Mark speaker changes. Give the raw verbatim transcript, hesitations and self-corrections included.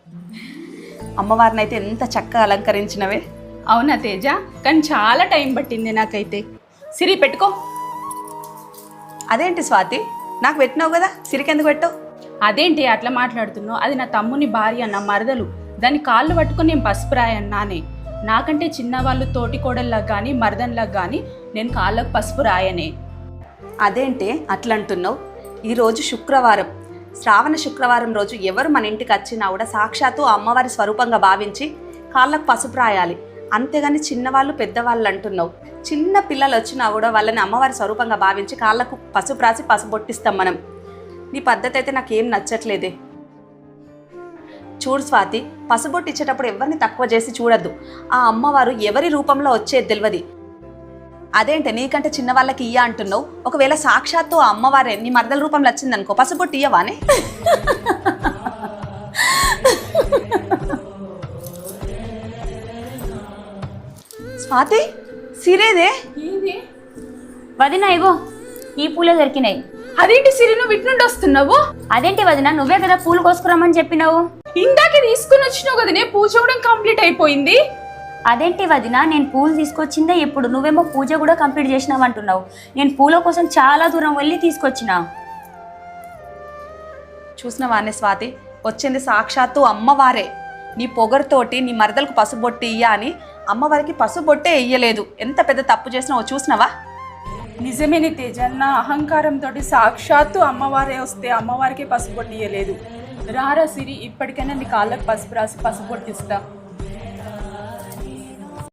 Speaker 1: అమ్మవారిని అయితే ఎంత చక్కగా అలంకరించినవే.
Speaker 2: అవునా తేజ, కానీ చాలా టైం పట్టింది నాకైతే. సిరి పెట్టుకో.
Speaker 1: అదేంటి స్వాతి, నాకు పెట్టినావు కదా, సిరికెందుకు పెట్టావు?
Speaker 2: అదేంటి అట్లా మాట్లాడుతున్నావు? అది నా తమ్ముని భార్య, నా మరదలు. దాని కాళ్ళు పట్టుకొని నేను పసుపు రాయన్నానే. నాకంటే చిన్నవాళ్ళు తోటి కోడల్లాగా కానీ మరదన్లాగా కానీ నేను కాళ్ళకు పసుపు రాయనే.
Speaker 1: అదేంటి అట్లా అంటున్నావు? ఈరోజు శుక్రవారం, శ్రావణ శుక్రవారం రోజు ఎవరు మన ఇంటికి వచ్చినా కూడా సాక్షాత్తు అమ్మవారి స్వరూపంగా భావించి కాళ్ళకు పసుపు రాయాలి. అంతేగాని చిన్నవాళ్ళు పెద్దవాళ్ళు అంటున్నావు. చిన్న పిల్లలు వచ్చినా కూడా వాళ్ళని అమ్మవారి స్వరూపంగా భావించి కాళ్ళకు పసుపు రాసి పసుపు బొట్టిస్తాం మనం. నీ పద్ధతి అయితే నాకేం నచ్చట్లేదే. చూడు స్వాతి, పసుబొట్టు ఇచ్చేటప్పుడు ఎవరిని తక్కువ చేసి చూడద్దు. ఆ అమ్మవారు ఎవరి రూపంలో వచ్చేది తెలియదు. అదేంటి నీకంటే చిన్న వాళ్ళకి ఇయ్య అంటున్నావు? ఒకవేళ సాక్షాత్తు ఆ అమ్మవారే నీ మరదల రూపంలో వచ్చిందనుకో, పసుబొట్టు ఇయ్యవానే? స్వాతి, సిరేదే
Speaker 3: వదిన, ఇగో ఈ పూలే దొరికినాయి.
Speaker 2: అదేంటి సిరి, నువ్వు ఇటు నుండి వస్తున్నావు?
Speaker 3: అదేంటి వదిన, నువ్వే కదా పూలు కోసుకురమ్మని చెప్పినావు.
Speaker 2: ఇందాకే తీసుకుని వచ్చినావు కదనే, పూజ కూడా కంప్లీట్ అయిపోయింది.
Speaker 3: అదేంటి వదిన, నేను పూలు తీసుకొచ్చిందే ఇప్పుడు, నువ్వేమో పూజ కూడా కంప్లీట్ చేసినావు అంటున్నావు. నేను పూల కోసం చాలా దూరం వెళ్ళి తీసుకొచ్చిన.
Speaker 1: చూసినవానే స్వాతి, వచ్చింది సాక్షాత్తు అమ్మవారే. నీ పొగరుతోటి నీ మరదలకు పసుబొట్టి ఇయ్య అని అమ్మవారికి పసుబొట్టే ఇయ్యలేదు. ఎంత పెద్ద తప్పు చేసినావో చూసినావా?
Speaker 2: నిజమేనే తేజ, నా అహంకారంతో సాక్షాత్తు అమ్మవారే వస్తే అమ్మవారికి పసుపు పొట్టియలేదు. రారా సిరి, ఇప్పటికైనా నీ కాళ్ళకు పసుపు రాసి పసుపు పొట్టిస్తా.